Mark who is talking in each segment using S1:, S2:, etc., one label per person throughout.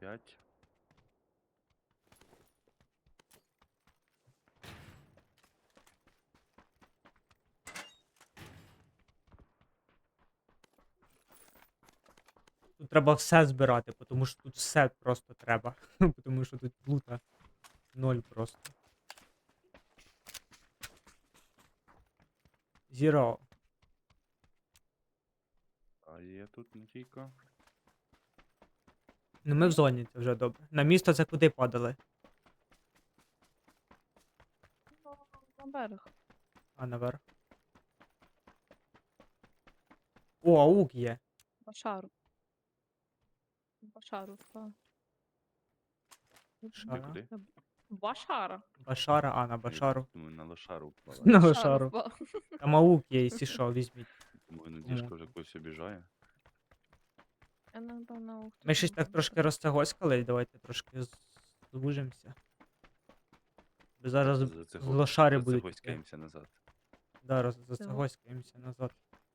S1: 5.
S2: Тут треба все збирати, тому що тут все просто треба. Тому що тут лута ноль просто. Зіро.
S1: А є тут не тільки.
S2: Ну ми в зоні, це вже добре. На місто це куди падали?
S3: Ну, на берег.
S2: А, наверх. О, аук є.
S3: Башару. Башару впав.
S2: Шара.
S1: куди?
S3: Башара.
S2: Башара, а, на
S1: Я
S2: Башару.
S1: думаю, на лошару впала.
S2: На
S3: Башару
S2: Башару.
S3: впав.
S2: Там аук є, якщо що, візьміть.
S1: Думаю, Надіжка
S2: Кому?
S1: вже когось обіжає.
S3: Я напевно ух.
S2: Ми щось так трошки розтягоськали, давайте трошки звужимося. Бо зараз з лошари будуть. йти.
S1: Загоськаємося назад.
S2: Да, зацягоськаємося назад.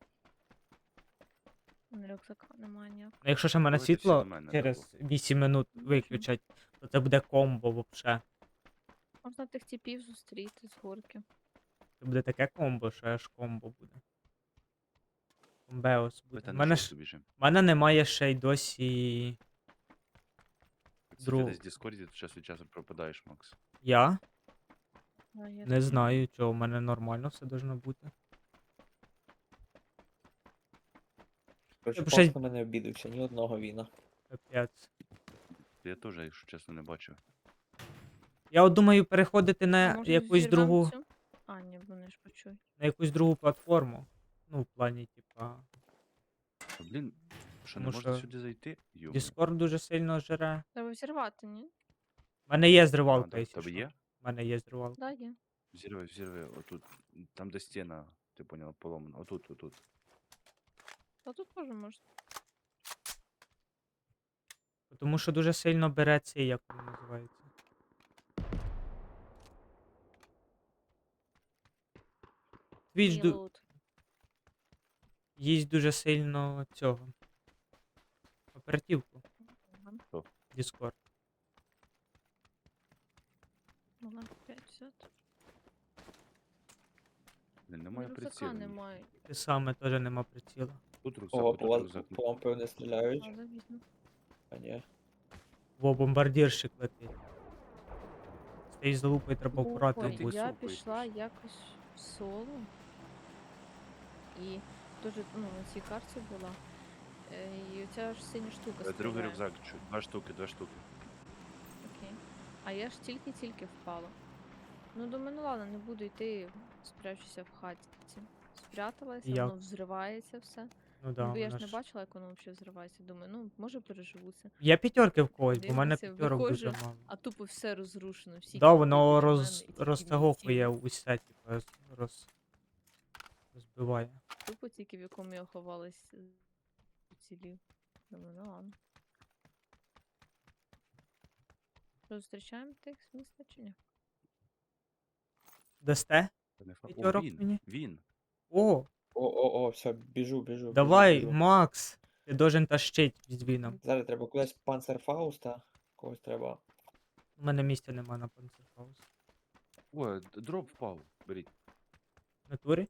S3: Рюкзака немає ніякого.
S2: Ну, якщо ще мене
S1: Давайте всі
S2: світло
S1: на мене,
S2: через
S1: добу.
S2: 8 минут виключать, то це буде комбо вообще.
S3: Можна тих типів зустріти з горки.
S2: Це буде таке комбо, що аж комбо буде. Комбеос буде.
S1: Давайте
S2: У
S1: на
S2: мене,
S1: шосту біжимо.
S2: мене немає ще й досі.
S1: Якщо
S2: друг-
S1: ти десь в Діскорді, то час від часу пропадаєш, Макс.
S2: Я
S3: А, є
S2: не
S3: такі.
S2: знаю, чого, у мене нормально все должно бути.
S4: Короче,
S2: Ще-
S4: пас на мене обідався, ні одного віна.
S2: Капець.
S1: Я теж, якщо чесно, не бачив.
S2: Я от думаю переходити
S3: А
S2: на
S3: може
S2: якусь
S3: зірвем
S2: другу.
S3: цю? А, ні, вони ж почують.
S2: На якусь другу платформу. Ну, в плані, типа.
S1: А, блін, що не
S2: Тому
S1: можна
S2: що
S1: сюди зайти? Йо.
S2: Discord дуже сильно жре.
S3: Треба взірвати, ні?
S2: У мене є
S1: А,
S2: зривалка,
S1: да,
S2: якщо
S1: тебе
S2: що.
S1: є?
S2: У мене є зривалка.
S3: Да, є.
S1: Взірви, отут. Там, де стіна, ти поняла, поломана. Отут.
S3: Та тут теж можна.
S2: Тому що дуже сильно бере цей, як він називається. Твіч
S3: Reload.
S2: їсть дуже сильно цього. Оперативку.
S3: Ага.
S1: Що?
S2: Discord.
S3: Вона 50.
S1: Блін, немає
S3: Рюкзака
S1: прицілу.
S3: немає.
S2: Те саме теж нема приціла.
S1: Тут рюкзак,
S4: Ого,
S1: тут
S4: по вас
S1: рюкзак.
S4: по вам певне стріляють.
S3: Але візьму.
S4: А ні.
S2: Во, бомбардірщик летить. З тією залупою треба акуратно
S3: Ой,
S2: бути.
S3: я
S1: Супер.
S3: пішла якось в соло. І дуже, ну, на цій карті була. І оця ж синя штука
S1: Другий
S3: стріляє.
S1: рюкзак, два штуки.
S3: Окей. А я ж тільки впала. Ну, думаю, ну ладно, не буду йти, спрячуся в хаті. Спряталася,
S2: Як?
S3: воно взривається все.
S2: Ну да,
S3: Ну, бо я ж
S2: вона
S3: не бачила, як воно взагалі взривається. Думаю, ну, може переживу це.
S2: Є п'ятерки в когось, бо в мене
S3: Дивлюся,
S2: п'ятерок дуже
S3: виходжу,
S2: мало.
S3: А тупо все розрушено. Всі
S2: Да,
S3: тіпи
S2: воно
S3: біля мене, і тільки
S2: розтягокує
S3: він цілий.
S2: усе, типу, розбиває.
S3: Тупо тільки в якому я ховалась уцілів. Думаю, ну ладно. Що, зустрічаємо тих з міста чи ні?
S2: Дасте?
S1: Та не факт. О,
S2: П'ятерок мені?
S1: він.
S2: О,
S4: О, все, біжу.
S2: давай,
S4: біжу.
S2: Макс! Ти должен тащить з віном.
S4: Зараз треба кудись панцерфауста. Когось треба.
S2: У мене місця нема на панцерфаус.
S1: О, дроп впав. Беріть.
S2: В натурі?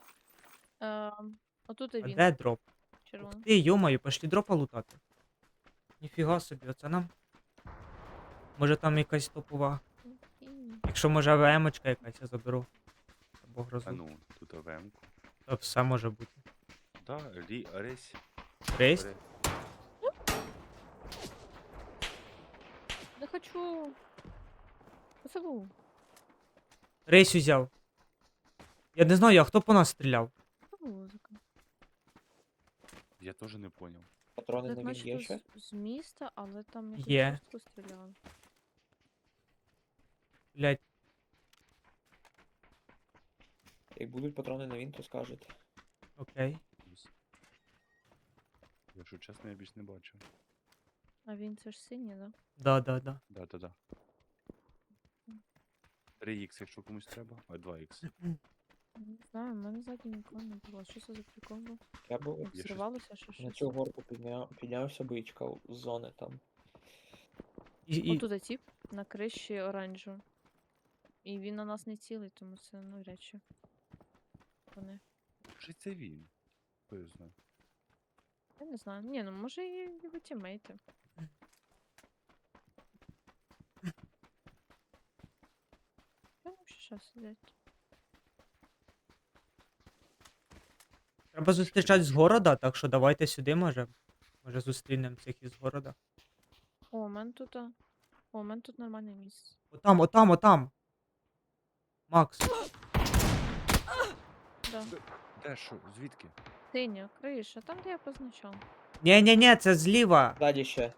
S3: Отут
S2: А
S3: і він,
S2: де дроп? Ух
S3: червоний.
S2: ти, йомаю, пошли дропа лутати. Ніфіга собі, оце нам. Може там якась топова.
S3: Окей.
S2: Якщо може АВМ-очка якась я заберу. Або
S1: А
S2: грозу.
S1: ну, тут АВМ-ку.
S2: То все може бути.
S1: Да, ресь.
S2: Рейс?
S3: Не хочу. Оце був.
S2: Рейс узяв. Я не знаю, а хто по нас стріляв?
S3: Це музика.
S1: Я теж не поняв.
S4: Патрони
S3: Так
S4: на він є
S3: начебто
S4: ще?
S3: з міста, але там якось
S2: Є.
S3: жорстко стріляли.
S2: Блять,
S4: Як будуть патрони на він, то скажете.
S2: окей.
S1: Якщо чесно, я більш не бачу.
S3: А він це ж синій, да?
S2: Да.
S1: Да. 3х, якщо комусь треба, а 2х.
S3: Не знаю, в мене ззаді нікого не було. Що це за прикол був?
S4: Я був
S1: щось-
S3: Взривалося, що
S4: на
S3: щось?
S4: цю горку піднявся бичка з зони там.
S2: І...
S3: Отут тип на криші оранжу. І він на нас не цілий, тому це навряд чи. Вони.
S1: Може це він? Хто його знає?
S3: Я не знаю. Ні, ну може і його тімейти. Там ще щас сидять.
S2: Треба зустрічати з города, так що давайте сюди, може. Може зустрінемо цих із города.
S3: О, у мене тут. О, у мене тут нормальне місце.
S2: Отам, отам, отам. Макс.
S3: Да.
S1: Де що? Звідки?
S3: Синя, криша, там де я позначав.
S2: Ні, це зліва.
S4: Ззаді ще.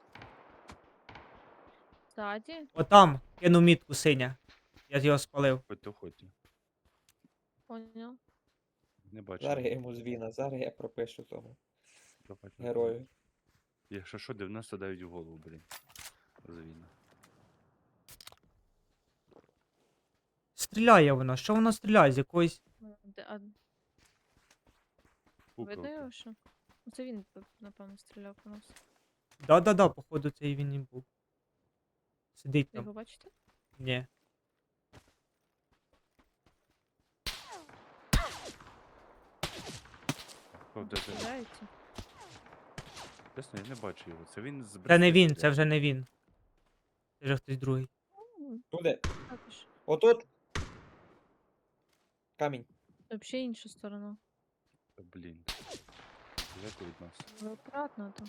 S3: Ззаді.
S2: Отам. Кину мітку синя. Я його спалив.
S1: Ходьте.
S3: Поняв.
S1: Не бачу.
S4: Зараз я йому звіна, зараз я пропишу тому
S1: Давайте.
S4: герою.
S1: Якщо що, 99 в голову, блін. Звільно.
S2: Стріляє вона. Що вона стріляє? З якоїсь.
S3: А видно його що? Ну, це він, напевно, стріляв по нас.
S2: Да, походу, це і він і був. Сидить
S3: Ви його
S2: там.
S3: бачите?
S2: Ні.
S1: О, де ти?
S3: Стріляється.
S1: Чесно, я не бачу його. Це він з
S2: Це не
S1: браслетом
S2: він, це
S1: стріляє.
S2: вже не він. Це вже хтось другий.
S4: Туди.
S3: Також.
S4: Отут. Камінь.
S3: Взагалі інша сторона.
S1: Та, блін. Далеко від нас.
S3: Ви акуратно там.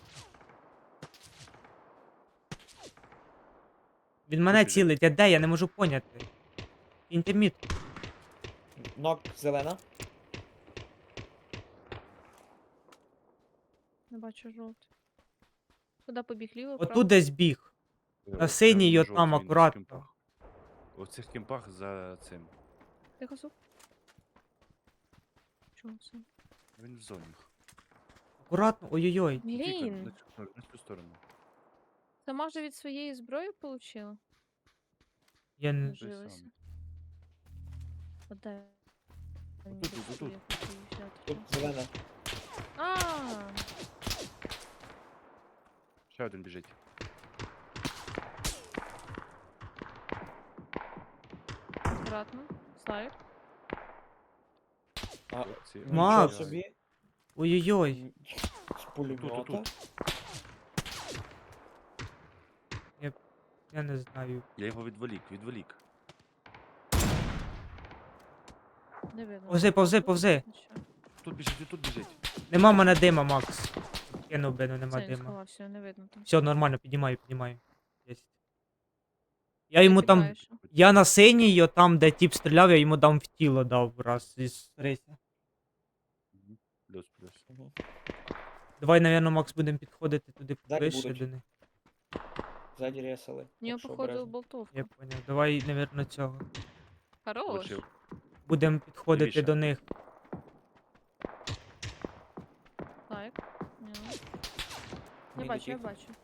S2: Він мене
S1: біжить.
S2: цілить, я де? Я не можу поняти. Інтерміт.
S4: Нок зелена.
S3: Не бачу жовтий. Куди побіг ліво, право?
S2: Отут десь біг. На синій
S1: Це
S2: отам
S1: жовтий, він в
S2: акуратно.
S1: кемпах. У цих кемпах за цим.
S3: Тихо, суп. Чого це?
S1: Він в зоні.
S2: Акуратно, ой-ой-ой.
S1: Тільки
S3: Блін,
S1: на цю сторону.
S3: сама же від своєї зброї получила?
S2: Я не.
S1: Той
S3: Жилася.
S1: самий.
S3: Подай. Мені
S1: Отут,
S3: десь
S1: отут.
S3: я хотів взяти
S4: Тут
S3: щас.
S4: зелена.
S3: А,
S1: Ще один біжить.
S3: акуратно. Слайд.
S4: А,
S1: Ці-
S2: Макс.
S4: нічого собі.
S2: Ой-ой-ой.
S4: З пулемета.
S1: Тут.
S2: Я не знаю.
S1: Я його відволік.
S3: Не видно.
S2: Повзи, повзи, повзи.
S1: Тут біжить.
S2: Нема в мене дима, Макс. Кинув би, ну нема
S3: Це він
S2: дима.
S3: сховався, не видно там.
S2: Все, нормально, піднімаю. Єсть. Я йому там.
S3: Тікаєш.
S2: Я на синій, о, там, де тіп стріляв, я йому там в тіло дав раз із риса.
S1: Мгм. Плюс.
S4: Мгм.
S2: Давай, напевно, Макс, будемо підходити туди
S4: Далі
S2: ближче
S4: будуть.
S2: до них.
S4: Ззаді ресали.
S3: У нього,
S4: так що
S3: походу,
S4: обережно.
S3: болтовка.
S2: Я поняв. Давай, напевно, цього.
S3: Хорош.
S1: Влучив.
S2: Будемо підходити
S1: Лівіше.
S2: до них.
S3: Так. Ні. Я
S4: Мій
S3: бачу, я
S4: дотік.
S3: бачу.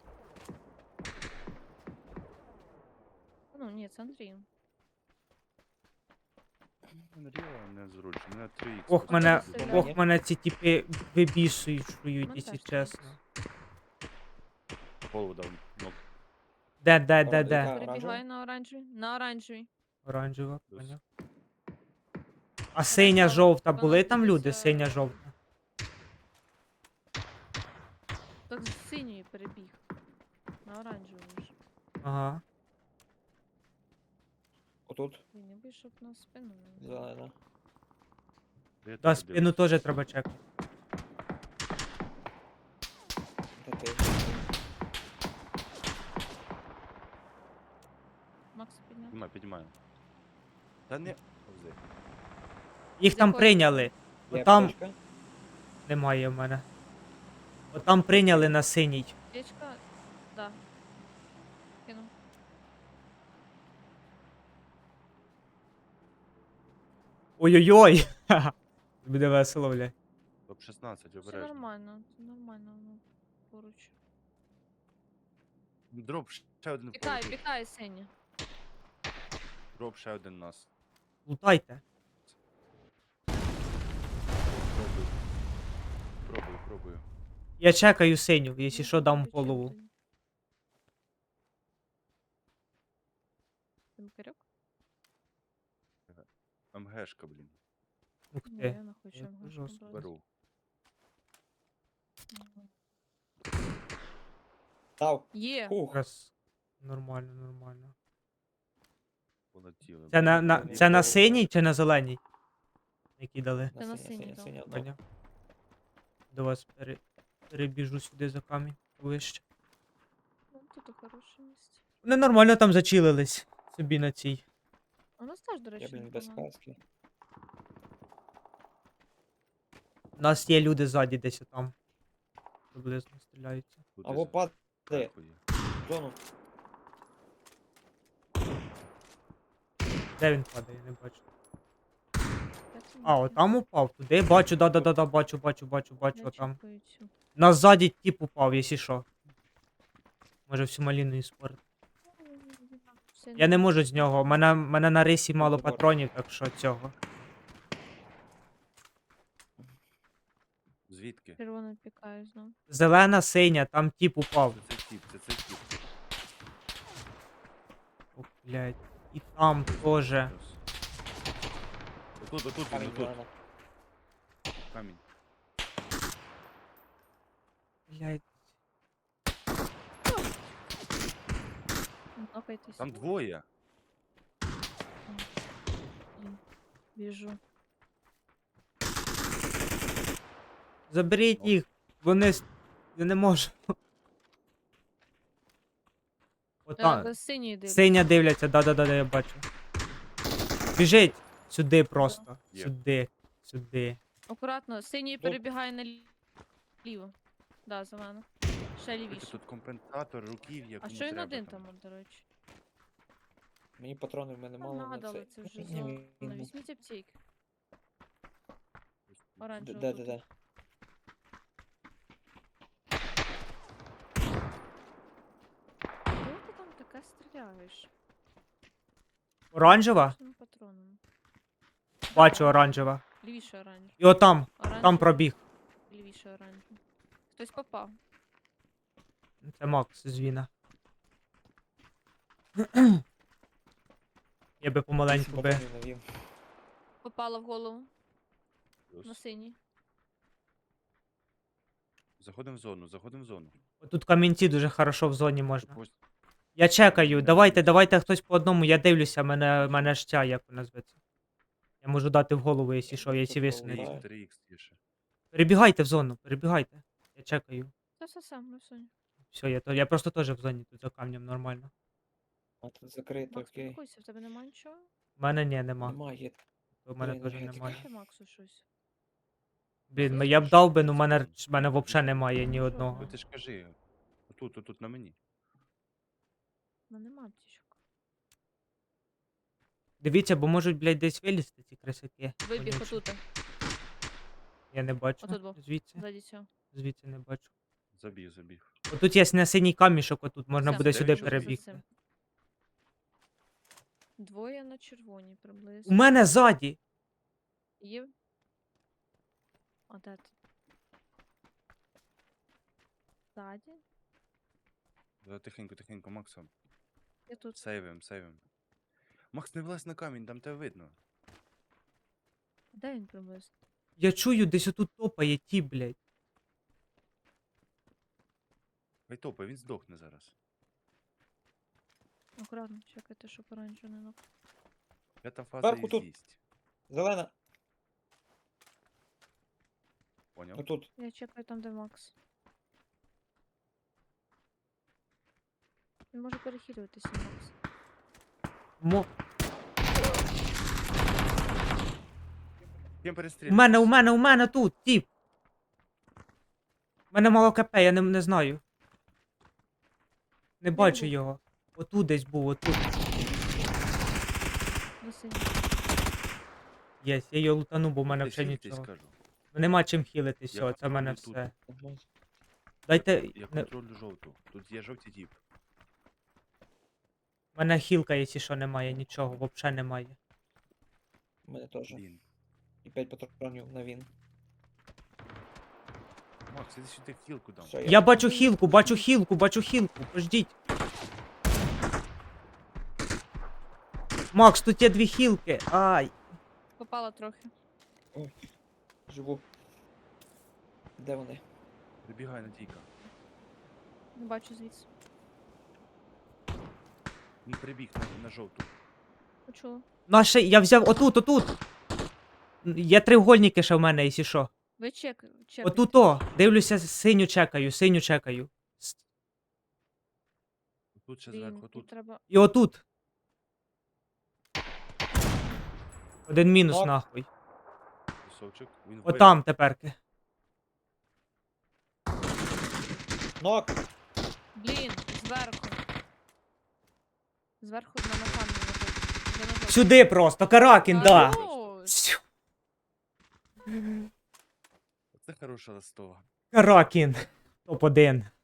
S3: Ну, ні, це Андрій.
S1: Андрія не зручно. Мене 3х.
S2: Ох, мене,
S3: стріляє.
S2: ох, мене ці тіпи вибісують,
S3: Мене
S2: якщо
S3: теж
S2: чесно.
S1: Голову дав. Ну,
S2: Де?
S4: Оранжева.
S3: Перебігає на оранжевий. На оранжевий.
S2: Оранжева,
S1: Плюс.
S2: поняв. А синя,
S3: там
S2: жовта,
S3: вона
S2: були там люди?
S3: дивиться-
S2: Синя, жовта.
S3: Так з синьої перебіг. На оранжевий вже.
S2: Ага.
S4: Отут
S3: Він не вийшов на спину. не знаю.
S4: зелена.
S1: я
S2: Да,
S1: тут
S2: спину
S1: дивлюсь.
S2: теж треба чекати.
S4: Де ти?
S3: Макс підняв.
S1: Піднімаю. Та не. Повзи.
S2: Їх
S3: З
S2: там
S3: якої
S2: прийняли.
S4: Є
S2: Отам
S4: аптечка?
S2: немає в мене. Отам прийняли на синій.
S3: Печка, да. Кинув.
S2: Ой-ой-ой! Ха-ха. Буде весело, бля.
S1: Топ-16,
S3: Все
S1: обережно.
S3: нормально, це нормально, воно поруч.
S1: Дроп ще один
S3: Пікає,
S1: поруч.
S3: пікає синя.
S1: Дроп ще один нас.
S2: Лутайте.
S1: Пробую.
S2: Я чекаю синю, якщо що, дам
S3: Причем
S2: голову.
S3: тоді? Димикарьок?
S1: МГшка, блін.
S2: Ух
S3: Ні,
S2: ти.
S3: я не хочу
S2: це
S3: МГшку
S2: жорстко.
S3: брати.
S1: Беру.
S3: Мгм.
S4: Дав.
S3: Є!
S4: Фух.
S2: Якраз нормально, нормально.
S1: Полетіли.
S2: Це
S1: блін.
S2: це на
S4: Ніколи.
S2: синій чи на зеленій? Які дали?
S3: Це на
S4: Синя,
S3: синій
S4: синя,
S3: дав.
S4: синя, дав.
S2: Поняв. До вас перебіжу сюди за камінь вище.
S3: Ну, тут хороше місце.
S2: Вони нормально там зачилились собі на цій.
S3: У нас теж, до
S4: Я,
S3: речі,
S4: блін, без
S3: непогано.
S4: каски.
S2: У нас є люди ззаді десь там. Приблизно стріляються.
S1: Тут
S4: Або
S1: із
S4: падає.
S1: зверху є.
S4: в Зону.
S2: Де він падає, я не бачу.
S3: Я це
S2: А,
S3: не
S2: отам упав. Туди бачу, да, бачу,
S3: Я
S2: отам.
S3: чекаю цю.
S2: Нас ззаді тип упав, якщо що. Може всю маліну іспорт. Я не можу з нього. Мене на рисі мало
S4: Забор.
S2: патронів, так що цього.
S1: Звідки?
S3: Червоно пікаю знову.
S2: Зелена, синя, там тип упав.
S1: Це цей тип, це цей тип.
S2: О, блядь. І там теж.
S1: Плюс. Отут, він,
S4: Камінь
S1: отут.
S4: зелена.
S1: Камінь.
S2: Блядь.
S3: Нокайтесь.
S1: Там двоє.
S3: Блін, біжу.
S2: Заберіть їх. Я не можу. Отам.
S3: Та синій дивлюсь.
S2: Синя дивляться, да, я бачу. Біжить сюди просто.
S1: Є.
S2: Сюди.
S3: Акуратно, синій
S4: Доп-
S3: перебігає наліво. Да, за мене. Ще лівіше.
S1: Тут компенсатор, руків'я,
S3: А
S1: кому
S3: що він
S1: треба
S3: один
S1: там.
S3: там, до речі?
S4: Мені патронів в мене мало на
S3: Нагадали, це
S4: це.
S3: вже
S4: Ні,
S3: зона.
S4: він-
S3: Візьміть аптеки. Оранжево.
S4: Де,
S3: тут.
S4: де, де?
S3: Кого ти там таке стріляєш?
S2: Оранжева?
S3: Чим патроном?
S2: Бачу оранжева.
S3: Лівіше оранжево.
S2: І отам, там
S3: Оранжево,
S2: пробіг.
S3: Лівіше оранжево. Хтось попав.
S2: Це Макс з Віна. Я би помаленьку би.
S4: Патронів навів.
S3: Попала в голову.
S1: Плюс.
S3: На синій.
S1: Заходимо в зону, заходимо в зону.
S2: Тут камінці дуже хорошо в зоні можна.
S1: Ось
S2: Я чекаю, давайте хтось по одному, я дивлюся, мене ж ця, як вона зветься. Я можу дати в голову, якщо що, якщо
S4: Тут
S2: висунеться.
S4: головне.
S1: 3х є ще.
S2: Перебігайте в зону, перебігайте. Я чекаю.
S3: Все, ми в зоні.
S2: Все, я просто теж в зоні тут за камнем нормально.
S4: А тут закрито,
S3: Макс,
S4: окей.
S3: спокойся, в тебе нема нічого?
S2: У мене нема.
S4: Немає.
S2: У мене
S4: Блін,
S2: теж
S4: енергетика.
S2: немає.
S3: Ще Максу щось.
S2: Блін, я б дав би, ну мене взагалі немає ні
S3: Ну,
S2: одного.
S1: Ну ти ж кажи. Отут на мені.
S3: Ну нема аптечок.
S2: Дивіться, бо можуть, блядь, десь вилізти ці крисаки.
S3: Вибіг
S2: вонючі.
S3: отут,
S2: Я не бачу.
S3: Отут був.
S2: Звідси.
S3: ззаді цього.
S2: Звідси не бачу.
S1: Забіг.
S2: Отут є на синій камішок, отут можна
S3: Все,
S2: буде
S1: де
S2: сюди
S1: він живе?
S2: перебігти.
S3: Цим. Двоє на червоній
S2: У
S3: приблизно.
S2: мене ззаді.
S3: Є. А де ти? Ззаді?
S1: Тихенько, Максом.
S3: Я тут.
S1: Сейвим. Макс, не влазь на камінь, там тебе видно.
S3: Де він приблизно?
S2: Я чую, десь отут топає ті, блядь.
S1: Хай топай, він здохне зараз.
S3: Акуратно, чекайте, щоб оранжево не нок.
S1: П'ята фаза
S4: Зверху
S1: і
S4: тут.
S1: з'їсть.
S4: Зелена.
S1: Поняв?
S4: Отут.
S3: Я чекаю там, де Макс. Він може перехилюватися, Макс.
S2: Мо...
S1: Ким
S2: У
S1: перестрілюєш?
S2: мене тут, тіп. У мене мало КП, я не знаю. Не бачу
S3: був?
S2: його. Отут десь був, отут.
S3: На синій.
S2: Єсть, я його лутану, бо в мене
S1: Ти
S2: взагалі
S1: хілитись,
S2: нічого.
S1: кажу.
S2: Нема чим хілити, все,
S1: Я
S2: це в мене
S1: контролюю тут.
S2: все.
S4: Ага.
S2: Дайте.
S1: Я
S2: Не...
S1: контролю жовту. Тут є жовтий тіп.
S2: У мене хілка, якщо що, немає, нічого, взагалі немає.
S4: У мене теж.
S1: Блін.
S4: І 5 патронів на він.
S1: Макс, іди сюди хілку дам.
S4: Все,
S2: Я бачу хілку, бачу хілку, пождіть. Макс, тут є 2 хілки. Ай.
S3: Попала трохи.
S4: Живу. Де вони?
S1: Прибігай, Надійка.
S3: Не бачу звідси.
S1: Він прибіг на жовту.
S3: Почула.
S2: Наше, я взяв отут. Є треугольники ще в мене, якщо що.
S3: Ви чекайте.
S2: Отут о. Дивлюся, синю чекаю.
S1: Тут ще
S3: Блін,
S1: зверху,
S3: тут
S1: тут.
S3: треба...
S2: І отут. Один мінус
S4: Нок.
S2: нахуй.
S1: Пісочок. Він вбив.
S2: Отам теперки.
S4: Нок!
S3: Блін, зверху. Зверху на камні лежить. Де ножок?
S2: Сюди просто, Каракін, да.
S3: Хорош.
S2: Сю.
S1: Це хороша листова.
S2: Каракін. Топ-1.